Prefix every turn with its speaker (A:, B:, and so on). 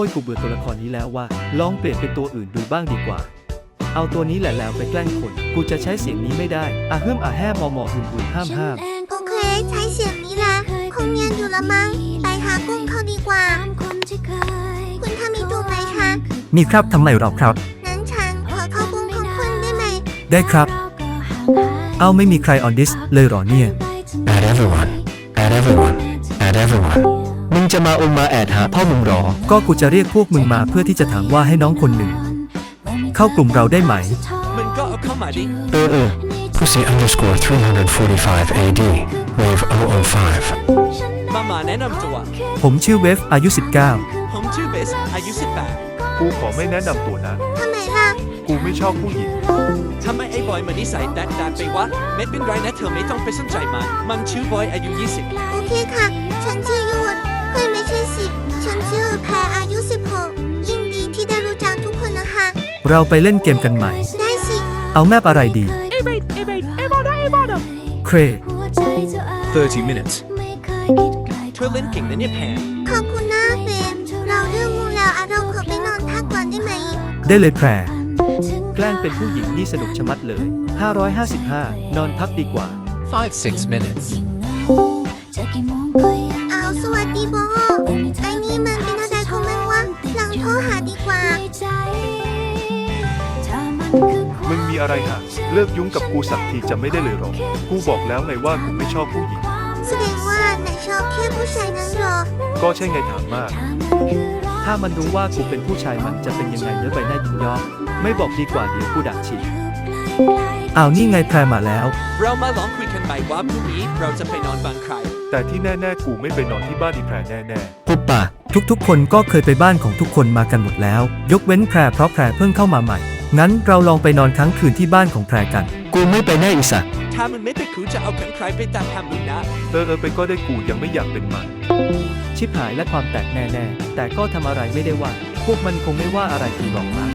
A: อ้ยกูเบื่อตัวละครนี้แล้วว่าลองเปลี่ยนเป็นตัวอื่นดูบ้างดีกว่าเอาตัวนี้แหละแล้วไปแกล้งคนกูจะใช้เสียงนี้ไม่ได้อะฮึ่มอะแห่มอมอหุ่นห้าม
B: โอเคใช้เสียงนี้ละคงเนียนอยู่ละมั้งไปหากุ้งเขาดีกว่าคุณทามีจูบไหมคะ
C: มีครับทำไมหรอครับ
B: นั้นฉันขอเข้ากุ้งของคุณได้ไหม
C: ได้ครับ เอาไม่มีใครออนดิสเลยหรอเนี่ย
D: Add everyone Add everyone Add everyone มึงจะมามาแอดหาพ่อมึงหรอ
C: ก็กูจะเรียกพวกมึงมาเพื่อที่จะถามว่าให้น้องคนหนึ่งเข้ากลุ่มเราได้ไหม
E: มันก็เอาเข้ามาดิ
D: Pussy underscore 345 AD Wave 005
E: มาแนะนำตัว
C: ผมชื่อเวฟอายุ
E: ผมชื่อเบสอายุ
F: กูขอไม่แนะนำตัวนะ
B: ทำไมล่ะ
F: กูไม่ชอบผู้หญิง
E: 18ทำไมไอ้บอยมันนิสัยแดกไปวะไม่เป็นไรนะเธอไม่ต้องไปสนใจมันชื่อบอยอายุ
B: โอเคค่ะ ฉันชื่อยูดเฮ้ยไม่ใช่สิฉันชื่อแพรอายุ 16ยินดีที่ได้รู้จักทุกคนนะคะ
C: 19 เราไปเล่นเกมกันใหม่
B: ได้สิ
C: เอาแมปอะไรดีเคร
G: 30 minutes.
E: เธอเล่นเก่งนะเนี่ยแพน
B: ขอบคุณนะเบนเราเรื่องงูแล้วเราขอไปนอนพักก่อนได้ไหม
C: ได้เลยแพร
A: ๆแกล้งเป็นผู้หญิงนี่สนุกชะมัดเลย555นอนพักดีกว่า
G: 5-6 minutes.
B: เอาสวัสดีโบไอ้นี่มันเป็นอะไรของมันวะหลังโทรหาดีกว่า
F: มึงมีอะไรหะเลิกยุ่งกับกูสักทีจะไม่ได้เลยหรอ กูบอกแล้วไงว่ากูไม่ชอบผู้หญิง
B: แสดงว่านายชอบแค่ผู้ชายนั้นเหรอ
F: ก็ใช่ไงถามมาก
A: ถ้ามันรู้ว่ากูเป็นผู้ชายมันจะเป็นยังไงเนื้อใบหน้ายินยอมไม่บอกดีกว่าเดี๋ยวกูด่าฉีก
C: เอานี่ไงแพรมาแล้ว
E: เรามาลองคุยกันใหม่ว่าพรุ่งนี้เราจะไปนอนบ้านใคร
F: แต่ที่แน่ๆกูไม่ไปนอนที่บ้านอีแพรแน่
C: ปุบปะทุกๆคนก็เคยไปบ้านของทุกคนมากันหมดแล้ว ยกเว้นแพรเพราะแพรเพิ่งเข้ามาใหม่ งั้นเราลองไปนอนค้างคืนที่บ้านของแพรกัน
D: กูไม่ไปแน่อีสัก
E: ถ้ามันไม่ไปกูจะเอาใครไปตามทำมึงนะ
F: ๆไปก็ได้กูยังไม่อยากเป็นมัน
A: ชิบหายและความแตกแน่ๆแต่ก็ทำอะไรไม่ได้ว่า พวกมันคงไม่ว่าอะไรกูหรอกมั้ง